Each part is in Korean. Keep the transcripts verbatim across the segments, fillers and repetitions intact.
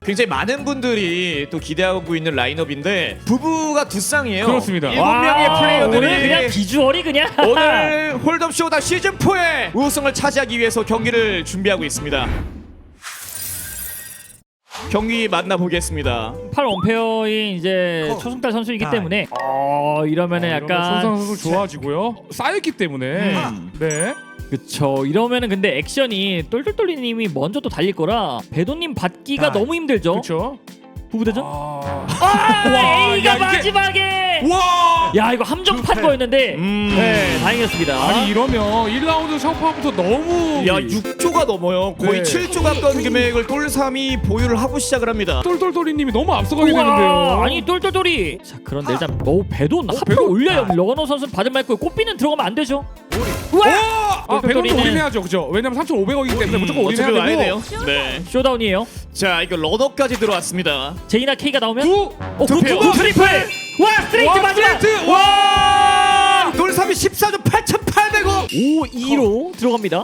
굉장히 많은 분들이 또 기대하고 있는 라인업인데 부부가 두 쌍이에요. 그렇습니다. 일곱 명의 플레이어들이 오늘 그냥 비주얼이 그냥 오늘 홀덤 쇼다 시즌 사의 우승을 차지하기 위해서 경기를 준비하고 있습니다. 경기 만나보겠습니다. 팔 원페어인 이제 초승달 선수이기 때문에 어 이러면은 약간 손상 선수 좋아지고요. 쌓였기 때문에. 음. 네. 그쵸. 이러면은 근데 액션이 똘똘똘리님이 먼저 또 달릴 거라 배도님 받기가 아, 너무 힘들죠. 그렇죠. 부부대전? 아. 아, 와, A가 야, 이게- 마지막에. 와! 야 이거 함정판 그- 거였는데 음. 네 다행이었습니다. 아니 이러면 일 라운드 샤오파부터 너무 야 육 조가 넘어요. 거의 네. 칠 조 가까운 금액을 똘삼이 보유를 하고 시작을 합니다. 똘똘똘이님이 너무 앞서가게 우와, 되는데요. 아니 똘똘똘이. 자 그런데 일단 오 배돈 하프 배돈? 올려요. 러너 선수는 받을 말고 꽃비는 들어가면 안 되죠. 와! 아, 배동도 똘똘똘이는- 올인해야죠, 그죠? 왜냐면 삼천오백억이기 때문에 음, 무조건 어차피 올인해야 와야 되고. 돼요. 네. 쇼다운이에요. 자 이거 러너까지 들어왔습니다. 제이나 K가 나오면 구! 어, 두 구, 페어. 구, 트리플! 와 스트레이트 와, 마지막! 스트레이트! 와! 똘삼이 십사 조 팔천팔백억. 오 이로 들어갑니다.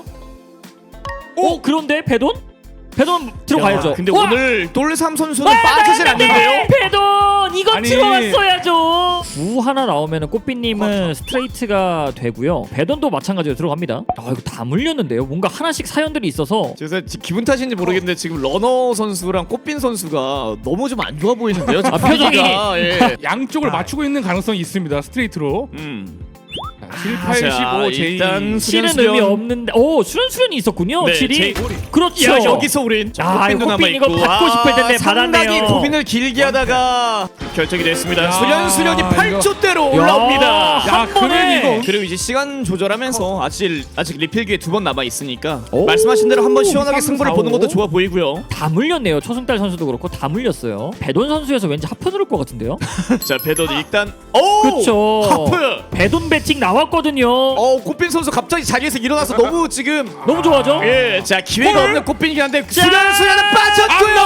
오 그런데 배돈? 배돈 들어가야죠. 야, 근데 와! 오늘 똘삼 선수는 와, 빠지질 나갔는데! 않는데요. 배돈 이거 아니. 들어왔어야죠. 구 하나 나오면은 꽃비님은 스트레이트가 되고요. 배돈도 마찬가지로 들어갑니다. 아 이거 다 물렸는데요. 뭔가 하나씩 사연들이 있어서 그래서 지- 기분 탓인지 모르겠는데 지금 러너 선수랑 꽃빈 선수가 너무 좀 안 좋아 보이는데요. 지금 아, 표정이. 분위기가, 예. 양쪽을 맞추고 있는 가능성이 있습니다. 스트레이트로. 음. 칠, 자, 팔, 십오, 제이. 일단 실은 수련, 의미 수련. 없는데 오 수련 수련이 있었군요. 네, 칠이 제이- 그렇죠. 야 여기서 우린 아, 꽃빈도 꽃빈 이거 남아있고 받고 싶을 텐데 상당히 받았네요. 고민을 길게 하다가 결정이 됐습니다. 야, 수련 수련이 이거- 팔 조대로 야, 올라옵니다. 한 야, 번에. 그래, 이거. 그리고 이제 시간 조절하면서 아직 아직 리필 기회 두 번 남아 있으니까 오. 말씀하신 대로 한번 시원하게 삼, 승부를 사, 보는 오. 것도 좋아 보이고요. 다 물렸네요. 초승달 선수도 그렇고 다 물렸어요. 배돈 선수여서 왠지 하프 누를 것 같은데요. 자 배도 일단 오 그렇죠. 하프. 배돈 배팅 나왔거든요. 어 꽃빈 선수 갑자기 자리에서 일어나서 너무 지금 너무 좋아죠. 예, 자 기회가 헐. 없는 꽃빈이긴 한데 자. 수련 수련은 빠졌고요.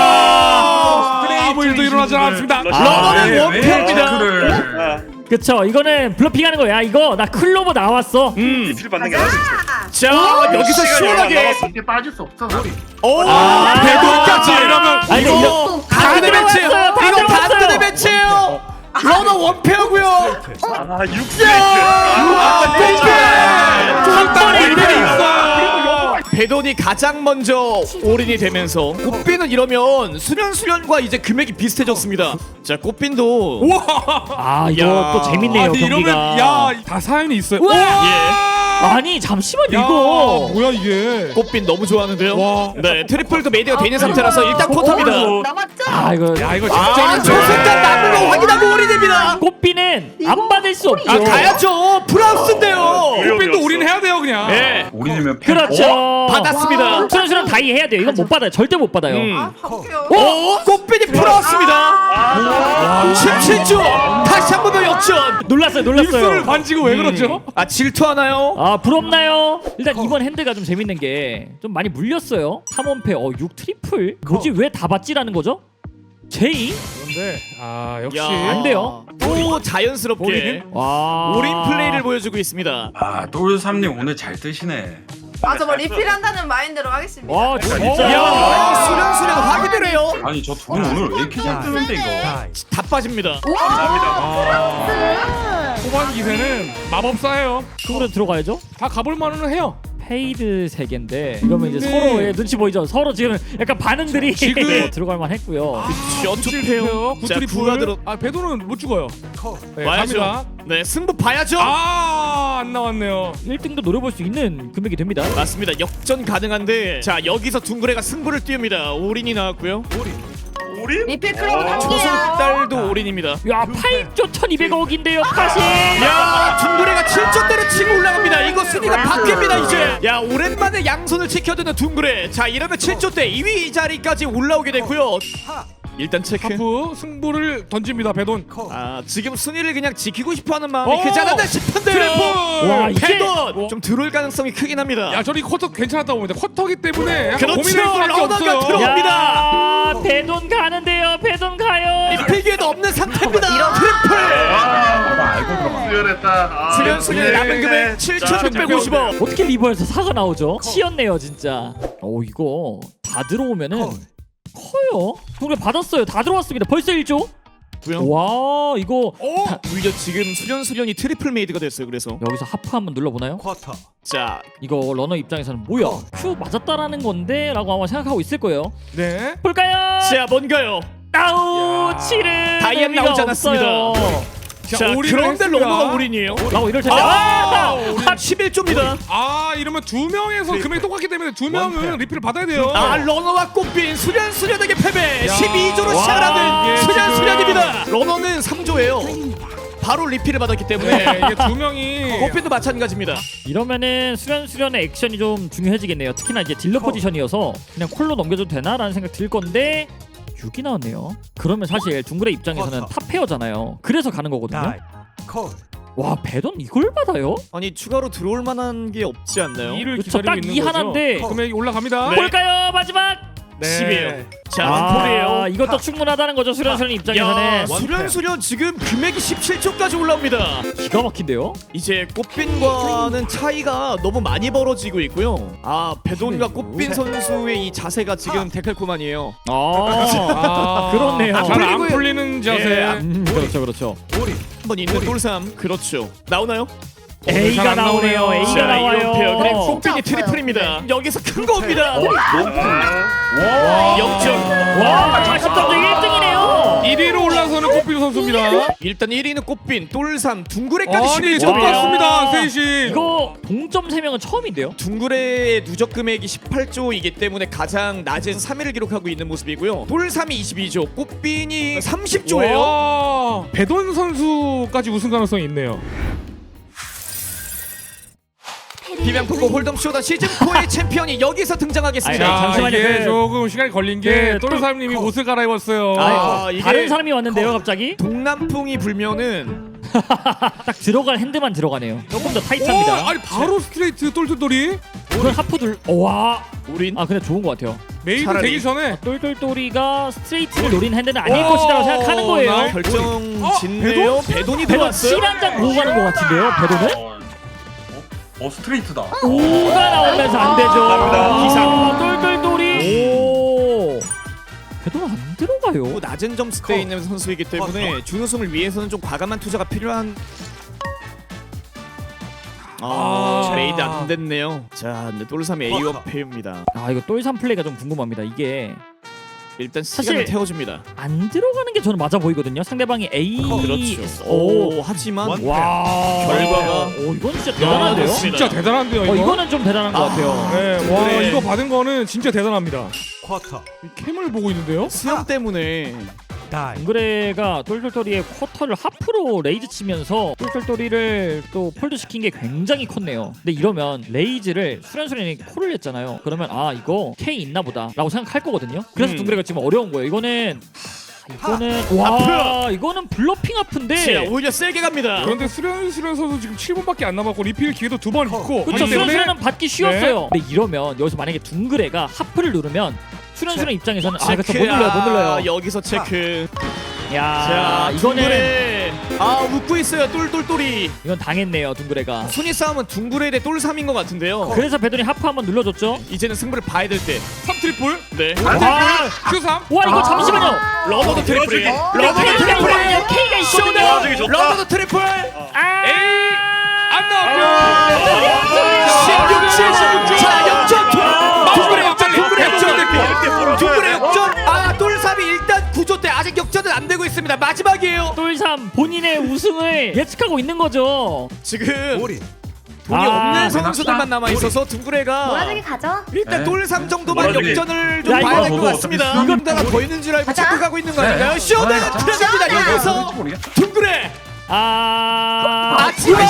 아, 아무 일도 일어나지 않았습니다. 러너는 아, 원패입니다. 그쵸. 이거는 블러핑하는 거야. 이거 나 클로버 나왔어. 음, 딜 받는 게 아니지. 자 여기서 시원하게 이게 빠질 수 없어. 오 아, 배도까지 이러면 아니, 이거 이거 단대 다 매치예요. 들어갔어요. 다 이거 들어갔어요. 단대 매치예요. 러너 원패고요. 아, 육 한 번에 일들이 이대로. 있어요. 배돈이 가장 먼저 올인이 되면서 꽃빈은 이러면 수련 수련과 이제 금액이 비슷해졌습니다. 자 꽃빈도 우와. 아 이거 야. 또 재밌네요. 아니, 경기가. 이러면 야, 다 사연이 있어요. 우와. 예. 아니 잠시만 야, 이거. 뭐야 이게? 꽃빈 너무 좋아하는데요. 와. 네 트리플도 메디가 돼 있는 상태라서 일단 쿼터입니다. 남았죠? 아 이거 야, 이거 아 진짜 초승달 남은 거 확인하고 올인됩니다. 꽃비는 안 받을 수 없죠. 아 가야죠. 프랑스인데요. 꽃빈도 우리는 해야 돼요 그냥. 네 우리는 그렇죠. 받았습니다. 수련수련 다이 해야 돼요. 이건 못 받아요. 절대 못 받아요. 음. 아, 가볼게요. 오 꽃빈이 풀어왔습니다. 십칠 조 다시 한 번 더 역전. 놀랐어요. 입술을 놀랐어요. 만지고 왜 그러죠? 아 질투하나요? 아 부럽나요? 일단 이번 핸드가 좀 재밌는 게 좀 많이 물렸어요. 탐원패 어 육 트리플 뭐지 왜 다 받지라는 거죠? 제이? 그런데 아 역시 안 돼요. 또 자연스럽게 올인? 와 올인 플레이를 보여주고 있습니다. 아, 똘삼님 오늘 잘 뜨시네. 아, 저뭐 리필한다는 마인드로 하겠습니다. 와 진짜 야 수련 수련 확인을 해요. 아니, 저 두 분 오늘 왜 이렇게 잘 뜨는데 이거? 다 빠집니다. 후반 기세는 마법사예요. 그거로 들어가야죠. 다 가볼 만은 해요. 페이드 세 개인데 이러면 이제 네. 서로의 눈치 보이죠. 서로 지금 약간 반응들이 지금- 들어갈 만했고요. 연출해요. 자 구트리 구가 들어. 아 배도는 못 죽어요. 네, 와야죠. 갑니다. 네 승부 봐야죠. 아안 나왔네요. 일 등도 노려볼 수 있는 금액이 됩니다. 맞습니다. 역전 가능한데 자 여기서 둥그레가 승부를 띄웁니다. 올인이 나왔고요. 리필 클로버 단계야. 초승달도 올인입니다. 야 팔 조 천이백억인데요 다시. 야 둥그레가 칠 조대로 치고 올라갑니다. 이거 순위가 바뀝니다 이제. 야 오랜만에 양손을 지켜드는 둥그레. 자 이러면 칠 조대 이 위 자리까지 올라오게 됐고요. 일단 체크. 하프 승부를 던집니다 배돈. 아 지금 순위를 그냥 지키고 싶어하는 마음이 어! 크지 않았나 싶은데요. 트리플! 와, 이게- 패돈 좀 들어올 가능성이 크긴 합니다. 야 저리 쿼터 괜찮았다고 봅니다. 쿼터기 때문에 약간 그렇죠. 고민할 수밖에 러너가 없어요. 들어- 야 배돈 가는데요. 배돈 가요. 필기에도 없는 상태입니다. 트리플. 수혈했다. 수련 수련의 남은 금액 칠천육백오십억. 어떻게 리버에서 사가 나오죠? 치였네요 진짜. 어 이거 다 들어오면은 커요. 둥그레 받았어요. 다 들어왔습니다. 벌써 일 조. 와 이거 오! 오히려 지금 수련 수련이 트리플 메이드가 됐어요. 그래서 여기서 하프 한번 눌러보나요? 쿼터. 자 이거 러너 입장에서는 뭐야 큐 맞았다라는 건데 라고 아마 생각하고 있을 거예요. 네. 볼까요? 자 뭔가요? 아우 야. 칠은 다이앤 의미가 나오지 않았습니다. 없어요. 자 올인을 그런데 했습니다. 러너가 올인이에요. 라고 이럴 텐데 아, 아! 십일 조입니다. 아 이러면 두 명에서 금액이 똑같기 때문에 두 명은 리필을 받아야 돼요. 아 러너와 꽃빈 수련 수련에게 패배. 야. 십이 조로 와, 시작하는 이게 수련 지금- 수련입니다. 러너는 삼 조예요. 바로 리필을 받았기 때문에 네, 이게 두 명이 꽃빈도 마찬가지입니다. 이러면은 수련 수련의 액션이 좀 중요해지겠네요. 특히나 이제 딜러 포지션이어서 그냥 콜로 넘겨줘도 되나라는 생각 들 건데 육이 나왔네요. 그러면 사실 둥그레 입장에서는 탑 페어잖아요. 그래서 가는 거거든요. 와 배돈 이걸 받아요? 아니 추가로 들어올 만한 게 없지 않나요? 이를 그쵸, 기다리고 딱 있는 이 거죠. 하나인데. 금액이 올라갑니다. 네. 볼까요 마지막? 네. 십이에요. 자 아 원폴이에요. 이것도 충분하다는 거죠 수련 수련 야 입장에서는. 수련 수련 지금 금액이 십칠 조까지 올라옵니다. 기가 막힌데요? 이제 꽃빈과는 차이가 너무 많이 벌어지고 있고요. 아 배돈과 꽃빈 선수의 이 자세가 지금 데칼코만이에요. 아, 아, 그렇네요. 잘 안 풀리고요. 풀리는 자세. 예, 음, 그렇죠 그렇죠. 한번 있는 똘삼 그렇죠. 나오나요? A가 잘안 나오네요. 나오네요. A가 자, 나와요. 이런 페어. 그리고 꽃빈이 없어요. 트리플입니다. 여기서 큰 거 옵니다. 와. 영 점. 와 십점도 일 등이네요. 일 위로 올라서는 꽃비루 선수입니다. 일단 일 위는 꽃빈, 똘삼, 둥그레까지 아니 십일 점. 똑같습니다. 셋이. 이거 동점 세 명은 처음인데요? 둥그레의 누적 금액이 십팔 조이기 때문에 가장 낮은 삼 위를 기록하고 있는 모습이고요. 똘삼이 이십이 조, 꽃빈이 삼십 조예요. 와, 배돈 선수까지 우승 가능성이 있네요. 비명포고 홀덤 쇼다 시즌 사의 챔피언이 여기서 등장하겠습니다. 아니, 자, 잠시만요. 이게 그- 조금 시간이 걸린 게 그 똘사님이 옷을 갈아입었어요. 아, 아, 이게- 다른 사람이 왔는데요 갑자기? 동남풍이 불면은 딱 들어갈 핸드만 들어가네요. 조금 더 오, 타이트합니다. 아니 바로 스트레이트 똘똘똘이 이건 하프 둘. 와. 우린 아 근데 좋은 것 같아요. 메이드 차라리- 되기 전에 똘똘똘이가 스트레이트를 노린 핸드는 아닐 오, 것이라고 생각하는 거예요. 나이- 결정 어? 짓네요. 배돈이 배도 들어왔어요. 칠 한 장 보고 가는 것 같은데요. 배도는? 어, 어 스트레이트다. 오가 나오면서 안 되죠. 감사합니다. 기상. 똘똘똘이. 오. 배도는 안 들어가요. 또 낮은 점수대에 있는 선수이기 때문에 준우승을 위해서는 좀 과감한 투자가 필요한. 아, 아. 레이드 안 됐네요. 자, 근데 똘삼의 A원 페입니다. 아 이거 똘삼 플레이가 좀 궁금합니다. 이게 일단 사실- 시간을 태워줍니다. 안 들어가는 게 저는 맞아 보이거든요. 상대방이 A. 그렇죠. 오. 오, 하지만 와. 결과가- 오 이건 진짜 대단한데요. 야, 진짜 대단한데요. 이거. 어 이거는 좀 대단한 것 같아요. 네, 와 그래. 이거 받은 거는 진짜 대단합니다. 쿼터. 캠을 보고 있는데요. 수영 때문에 둥그레가 똘똘똘이의 쿼터를 하프로 레이즈 치면서 똘똘똘이를 또 폴드 시킨 게 굉장히 컸네요. 근데 이러면 레이즈를 수련수련이 콜을 했잖아요. 그러면 아 이거 K 있나 보다 라고 생각할 거거든요. 그래서 음. 둥그레가 지금 어려운 거예요. 이거는 하, 이거는 와 이거는 블러핑 자, 아픈데 오히려 세게 갑니다. 그런데 수련 수련 선수 지금 칠 분밖에 안 남았고 리필 기회도 두 번 있고 그쵸 하기 때문에 수련수련은 받기 쉬웠어요. 근데 이러면 여기서 만약에 둥그레가 하프를 누르면 수련수련 입장에서는 아 그쵸 못 눌러요 못 눌러요. 아, 여기서 체크. 야 자, 이거는 둥그레. 아, 웃고 있어요. 똘똘똘이. 이건 당했네요 둥그레가. 순위 싸움은 둥그레 대 똘삼인 것 같은데요. 그래서 배돈이 하프 한번 눌러줬죠. 이제는 승부를 봐야 될 때. 삼 트리플 네. 와, 큐 삼. 와 이거 잠시만요. 러버도 트리플이에요. 러버도 K가 있거든요. 트리플이에요. K가 있거든요. 나중에 좋다. 러버도 트리플. 아, 에이 안 나왔고요. 십육 칠. 자, 역전. 둥그레 역전. 빨리. 둥그레 역전. 역전. 둥그레 역전. 아, 똘삼이 일단 구조 때 아직 역전은 안 되고 있습니다. 마지막이에요. 똘삼 본인의 우승을 예측하고 있는 거죠. 지금 돈이 아, 없는 선수들만 남아 있어서 둥그레가 모아두기 가죠. 일단 네. 똘삼 정도만 모아두기. 역전을 좀 야, 봐야 이거 될 것 저도 같습니다. 어차피 이건 다가 더 있는 줄 알고 가자. 체크하고 있는 거 네. 아닌가요? 쇼다 가자. 들어갑니다. 쇼다. 여기서 모르겠어. 둥그레 아, 마지막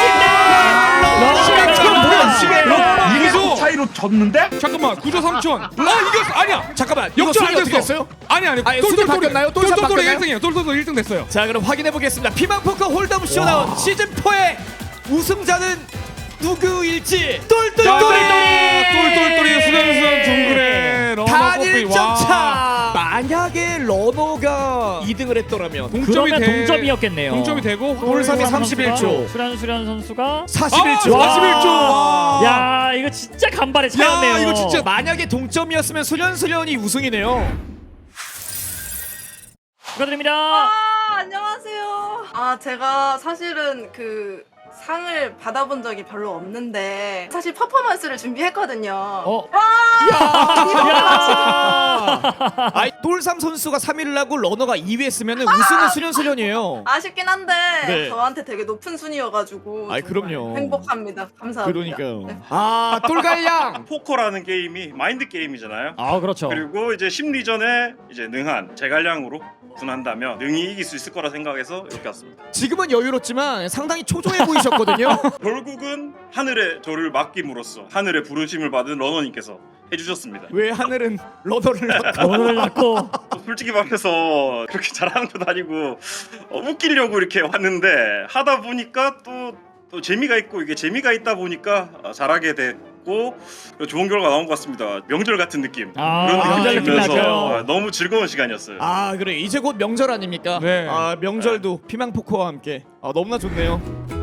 이게 이기소. 차이로 졌는데? 잠깐만 구조 삼천. 아 이겼어. 아니야. 잠깐만 이거 역전 순위 안 어떻게 됐어. 됐어요? 아니 아니. 아니, 순위 바뀌었나요? 똘똘 똘똘똘이 바뀌었나요? 일 등이에요. 똘똘똘 일 등 됐어요. 자 그럼 확인해 보겠습니다. 피망포커 홀덤 쇼다운 시즌 사의 우승자는 누구일지 똘똘똘이 똘똘똘이 수련수련 둥그레 러너 단 뽀삐. 일 점 와. 차 만약에 러너가 이 등을 했더라면 동점이 그러면 돼. 동점이었겠네요. 동점이 되고 돌삼이 선수가 삼십일 초. 수련 수련 선수가 사십일 초. 아, 사십일 초. 와. 야 이거 진짜 간발의 차였네요. 야, 이거 진짜 만약에 동점이었으면 수련수련이 우승이네요. 축하드립니다. 아 안녕하세요. 아 제가 사실은 그 상을 받아본 적이 별로 없는데 사실 퍼포먼스를 준비했거든요. 어. 야! 아이 똘삼 선수가 삼 위를 하고 러너가 이 위 했으면 우승은 수련수련이에요. 아쉽긴 한데 네. 저한테 되게 높은 순위여가지고 아이, 정말 그럼요. 행복합니다. 감사합니다. 그러니까요. 아 똘갈량. 포커라는 게임이 마인드 게임이잖아요. 아 그렇죠. 그리고 이제 심리전에 이제 능한 제갈량으로 분한다면 능히 이길 수 있을 거라 생각해서 이렇게 왔습니다. 지금은 여유롭지만 상당히 초조해 보이셨거든요. 결국은 하늘의 저를 맡김으로써 하늘의 부르심을 받은 러너님께서 해주셨습니다. 왜 하늘은 러너를 낳고 오늘 낳고 솔직히 말해서 그렇게 잘하는 것도 아니고 어, 웃기려고 이렇게 왔는데 하다 보니까 또, 또 재미가 있고 이게 재미가 있다 보니까 어, 잘하게 됐고 좋은 결과 나온 것 같습니다. 명절 같은 느낌 아, 그런 명절 느낌이 느낌 들면서 나죠. 어, 너무 즐거운 시간이었어요. 아 그래 이제 곧 명절 아닙니까? 네. 아 명절도 피망 포커와 함께 아 너무나 좋네요.